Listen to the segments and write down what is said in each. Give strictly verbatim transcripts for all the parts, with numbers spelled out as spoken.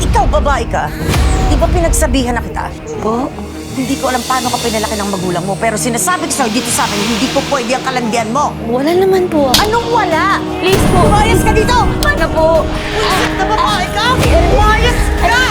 Ikaw, babae ka. Di ba pinagsabihan na kita? Po? Hindi ko alam paano ka pinalaki ng magulang mo, pero sinasabi ko sa'yo dito sa amin, hindi po pwede ang kalandian mo. Wala naman po. Anong wala? Please po. Umayos ka dito! Ano po? Umayos na babae ka! Umayos ka!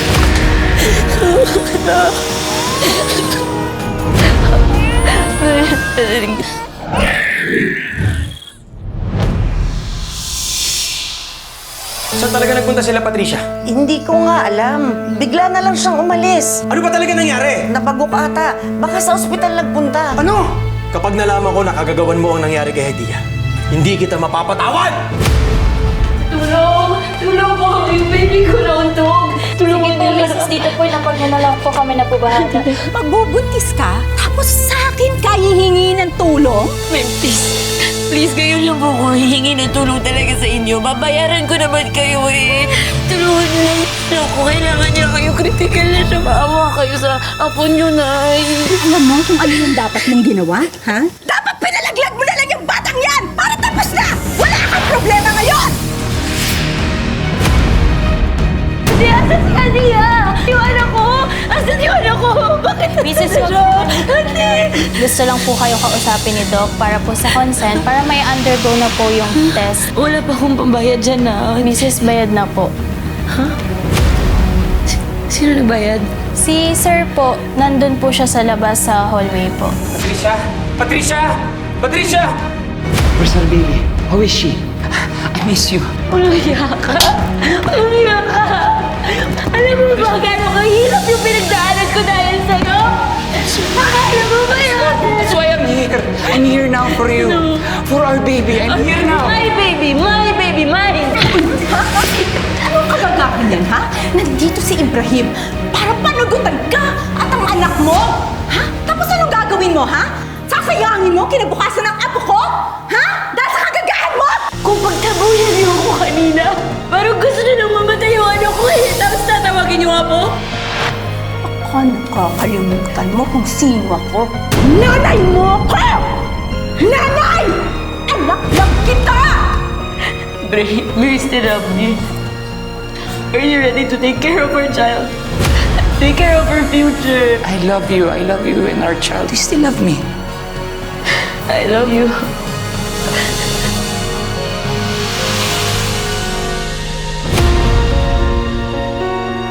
Saan talaga nagpunta sila, Patricia? Hindi ko nga alam. Bigla na lang siyang umalis. Ano ba talaga nangyari? Nabagok ata. Baka sa ospital nagpunta. Ano? Kapag nalaman ko na kagagawan mo ang nangyari kay Hedia, hindi kita mapapatawad! Tulong! Tulong po! Yung baby ko nauntog! Tulong po, Missus Dito po, napag na lang po kami na po bahala. Magbubuntis ka, tapos sa akin ka hihingi ng tulong? Ma'am, please. Please, ngayon lang po ako hihingi ng tulong talaga sa inyo. Babayaran ko naman kayo eh. Tulungan niyo lang ako. Kailangan niya kayo. Critical na siya. Maawa kayo sa apo niyo, Nay. Alam mo kung ano yung dapat mong ginawa, ha? Dapat pinalaglag mo na lang yung batang yan para tapos na! Wala kang problema ngayon! Hindi, asan si Adia? Yung anak ko! Asan yung anak ko? Bakit Missus siya? Hindi! Gusto lang po kayo kausapin ni Doc para po sa consent, para may undergo na po yung test. Wala pa akong pambayad dyan na. Missus Bayad na po. Sino nagbayad? Si Sir po, nandun po siya sa labas sa hallway po. Patricia! Patricia! Patricia! Where's our baby? How is she? I miss you. Walang iya ka! Walang iya ka! Alam mo ba gano'ng kahirap yung pinagdaanan ko dahil sa'yo? Alam mo ba yun? That's why I'm here. I'm here now for you. For our baby. I'm here now. My baby! My baby! Mine! Anong kabagahan yan, ha? Nandito si Ibrahim para panagutan ka at ang anak mo? Ha? Tapos anong gagawin mo, ha? Sasayangin mo kinabukasan ng apo ko? Ha? Dahil sa kagagahan mo? Kung pagtabuyan niyo ako kanina, parang gusto niyo nang mamatay yung anak ko eh. Tapos tatawagin niyo nga po? Baka nakakalimutan mo kung sino ako. Nanay mo ako! Nanay! Anak lang kita! Bray, we still love you. Are you ready to take care of our child? Take care of our future. I love you. I love you and our child. You still love me. I love you.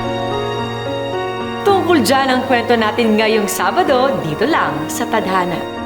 Tungkol dyan ang kwento natin ngayong Sabado, dito lang sa Tadhana.